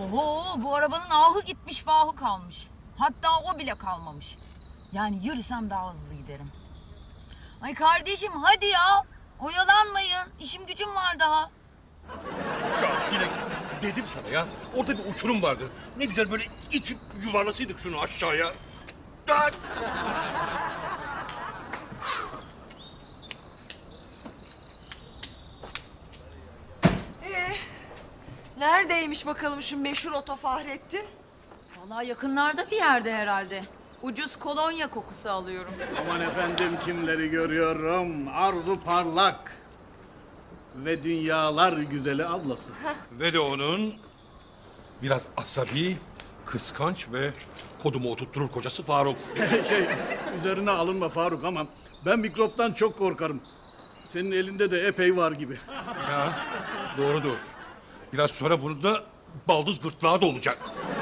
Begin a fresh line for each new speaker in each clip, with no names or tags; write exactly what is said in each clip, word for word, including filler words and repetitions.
Oho, bu arabanın ahı gitmiş vahı kalmış. Hatta o bile kalmamış. Yani yürüsem daha hızlı giderim. Ay kardeşim hadi ya. Oyalanmayın. İşim gücüm var daha.
Ya Dilek, dedim sana ya. Orada bir uçurum vardı. Ne güzel böyle itip yuvarlasaydık şunu aşağıya. Daha...
Ee, neredeymiş bakalım şu meşhur Oto Fahrettin?
Vallahi yakınlarda bir yerde herhalde. Ucuz kolonya kokusu alıyorum.
Aman efendim kimleri görüyorum. Arzu Parlak. Ve dünyalar güzeli ablası.
Ve de onun biraz asabi, kıskanç ve kodumu oturtturur kocası Faruk.
şey, üzerine alınma Faruk ama ben mikroptan çok korkarım. Senin elinde de epey var gibi.
Ya, doğrudur. Biraz sonra bunu da baldız gırtlağı da olacak.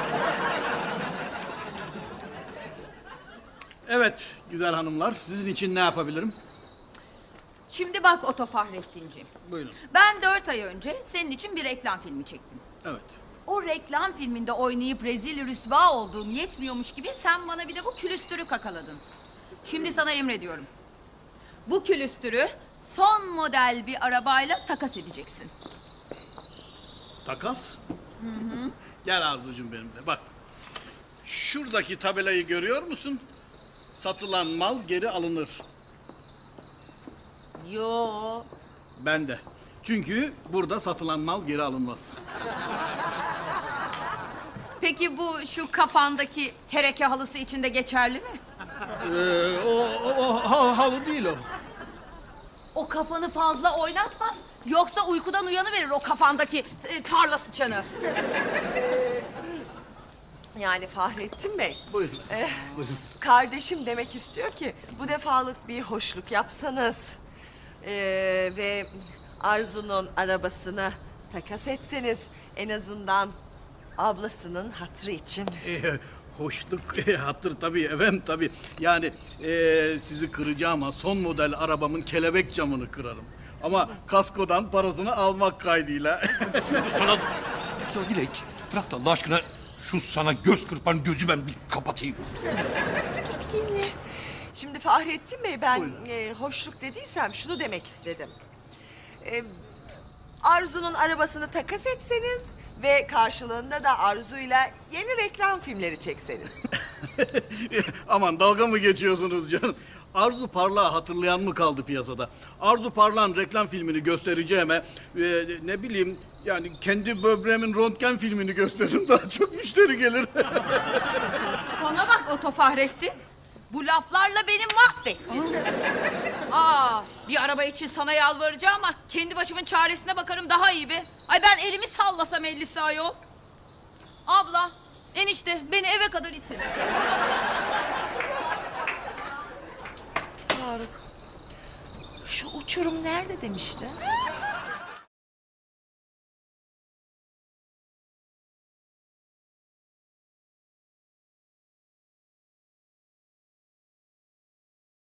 Evet güzel hanımlar, sizin için ne yapabilirim?
Şimdi bak Oto Fahrettinciğim.
Buyurun.
Ben dört ay önce senin için bir reklam filmi çektim.
Evet.
O reklam filminde oynayıp rezil rüsva olduğun yetmiyormuş gibi sen bana bir de bu külüstürü kakaladın. Şimdi sana emrediyorum. Bu külüstürü son model bir arabayla takas edeceksin.
Takas? Hı hı. Gel Arzucuğum benimle bak. Şuradaki tabelayı görüyor musun? Satılan mal geri alınır.
Yo.
Ben de. Çünkü burada satılan mal geri alınmaz.
Peki bu şu kafandaki hereke halısı için de geçerli mi?
Ee, o, o, o hal- halı değil o.
O kafanı fazla oynatma. Yoksa uykudan uyanıverir o kafandaki e, tarla sıçanı.
Yani Fahrettin Bey.
Buyurun.
eh, kardeşim demek istiyor ki bu defalık bir hoşluk yapsanız. Ee, ve Arzu'nun arabasını takas etseniz en azından ablasının hatırı için.
Ee, hoşluk, e, hatır tabii efendim tabii. Yani e, sizi kıracağım ama son model arabamın kelebek camını kırarım. Ama kaskodan parasını almak kaydıyla.
Sana... Ya Dilek, bırak da Allah aşkına şu sana göz kırpan gözü ben bir kapatayım.
Dur bir dinle. Şimdi Fahrettin Bey ben e, hoşluk dediysem şunu demek istedim. E, Arzu'nun arabasını takas etseniz ve karşılığında da Arzu'yla yeni reklam filmleri çekseniz.
Aman dalga mı geçiyorsunuz canım? Arzu Parlak'ı hatırlayan mı kaldı piyasada? Arzu Parlak'ın reklam filmini göstereceğime e, ne bileyim yani kendi böbreğimin röntgen filmini gösteririm daha çok müşteri gelir.
Bana bak Oto Fahrettin. Bu laflarla beni mahvettin. Aa, bir araba için sana yalvaracağım ama kendi başımın çaresine bakarım daha iyi be. Ay ben elimi sallasam ellisi ayol. Abla, enişte beni eve kadar itin.
Faruk, şu uçurum nerede demiştin?